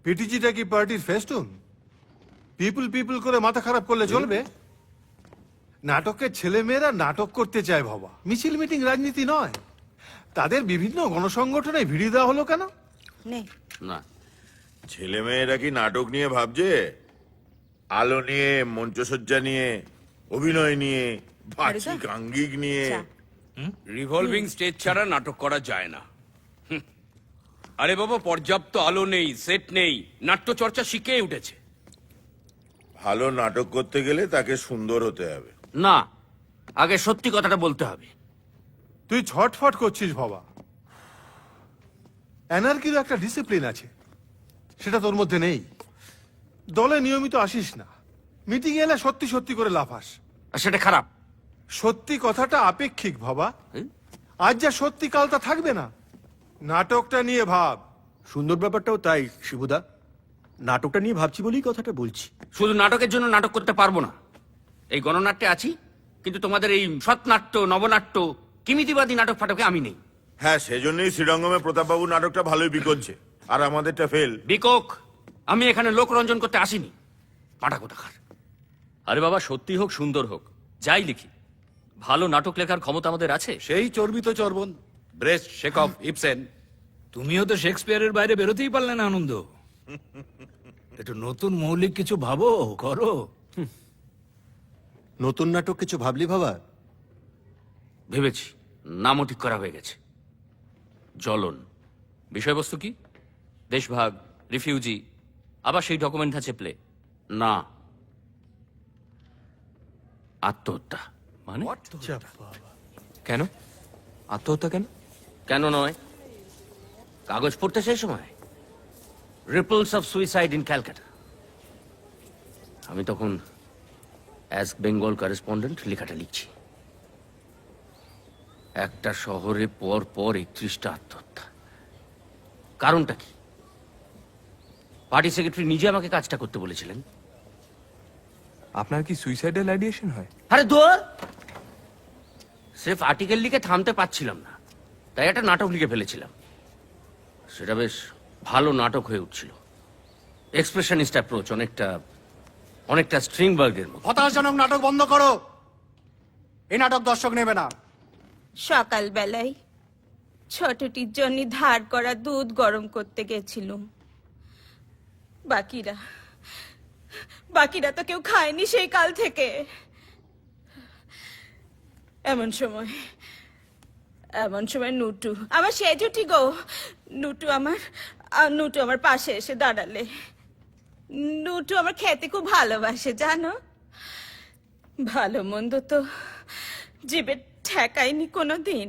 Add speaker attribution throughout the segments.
Speaker 1: পিটিজিটা কি পার্টির festoon? People people করে মাথা খারাপ করলে চলবে? নাটকের ছেলেমেয়েরা নাটক করতে চায় বাবা, মিছিল মিটিং রাজনীতি নয়। তাদের বিভিন্ন গণসংগঠনে ভিড়ি দেওয়া হলো কেন?
Speaker 2: নেই
Speaker 3: না,
Speaker 4: ছেলেমেয়েরা কি নাটক নিয়ে ভাবছে? আলো নিয়ে, মঞ্চসজ্জা নিয়ে, অভিনয় নিয়ে, বাচিক আঙ্গিক নিয়ে।
Speaker 2: চা।
Speaker 3: রিভলভিং স্টেজ ছাড়া নাটক করা যায় না। আরে বাবা, পর্যাপ্ত আলো নেই, সেট নেই, নাট্য চর্চা শিখেই উঠেছে।
Speaker 4: ভালো নাটক করতে গেলে তাকে সুন্দর হতে হবে।
Speaker 3: না, আগে সত্যি কথাটা বলতে হবে।
Speaker 1: তুই ছটফট করছিস বাবা। এনার্কির একটা ডিসিপ্লিন আছে, সেটা তোর মধ্যে নেই। দলে নিয়মিত আসিস না, মিটিং এলে সত্যি সত্যি করে লাফাস।
Speaker 3: আর সেটা খারাপ।
Speaker 1: সত্যি কথাটা আপেক্ষিক বাবা। আজ যা সত্যি কাল তা থাকবে না। নাটকটা নিয়ে ভাব।
Speaker 5: সুন্দর ব্যাপারটাও তাই শিবুদা, নাটকটা নিয়ে ভাবছি বলেই কথাটা বলছি।
Speaker 3: শুধু নাটকের জন্য নাটক করতে পারবো না। এই গণনাট্যে আছি, কিন্তু তোমাদের এই সৎনাট্য, নবনাট্য, কিমিতিবাদী নাটক ফাটকে আমি নেই।
Speaker 4: হ্যাঁ, সেজন্যই শ্রীরঙ্গমে প্রতাপবাবু নাটকটা ভালোই বিকোচ্ছে, আর আমাদেরটা ফেল।
Speaker 3: বিকক, আমি এখানে লোকরঞ্জন করতে আসিনি। পাটা কোথাকার।
Speaker 6: আরে বাবা, সত্যি হোক সুন্দর হোক, যাই লিখি, ভালো নাটক লেখার ক্ষমতা আমাদের আছে।
Speaker 7: সেই চর্বিত চর্বণ, ব্রেস্ট, শেকফ, ইবসেন।
Speaker 8: তুমিও তো শেক্সপিয়ারের বাইরে বেরোতেই পারলে না আনন্দ। একটু নতুন মৌলিক কিছু ভাবো, করো।
Speaker 5: নতুন নাটক কিছু ভাবলি বাবা?
Speaker 3: ভেবেছি, নামও ঠিক করা হয়ে গেছে। জ্বলন।
Speaker 6: বিষয়বস্তু কি? দেশভাগ, রিফিউজি, আবার সেই ডকুমেন্ট আছে প্লে।
Speaker 3: না, আত্মহত্যা।
Speaker 6: মানে কেন আত্মহত্যা কেন?
Speaker 3: কেন নয়, কাগজ পড়তে সেই সময় ripples of suicide in Calcutta. আমি তখন অ্যাজ বেঙ্গল করেসপন্ডেন্ট লেখাটা লিখছি। একটা শহরে পর পর 31টা আত্মহত্যা। কারণটা কি? পার্টি সেক্রেটারি নিজে আমাকে কাজটা করতে বলেছিলেন।
Speaker 9: আপনার কি সুইসাইডাল আইডিয়েশন হয়?
Speaker 3: আরে দূর! সির্ফ আর্টিকেল লিখে থামতে পারছিলাম না, তাই একটা নাটক লিখে ফেলেছিলাম। সেটা বেশ ভালো নাটক হয়ে উঠছিল। এক্সপ্রেশনিস্ট অ্যাপ্রোচ, অনেকটা স্ট্রিংবার্গের মতো।
Speaker 7: হতাশজনক নাটক বন্ধ করো, এই নাটক দর্শক নেবে না।
Speaker 2: সকালবেলায় ছোটটির জন্য ধার করা দুধ গরম করতে গেছিলুম। বাকিরা তো কেউ খায়নি সেই কাল থেকে। এমন সময় নুটু, আমার সেজুটি গো, নুটু আমার পাশে এসে দাঁড়ালে। নুটু আমার খেতে খুব ভালোবাসে জানো। ভালো মন্দ তো জিভে ঠেকায়নি কোনোদিন।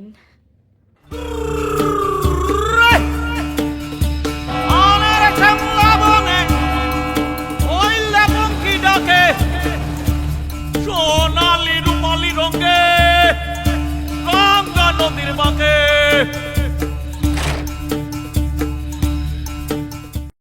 Speaker 10: সোনালি রূপালি রঙে গঙ্গা নদীর বাঁকে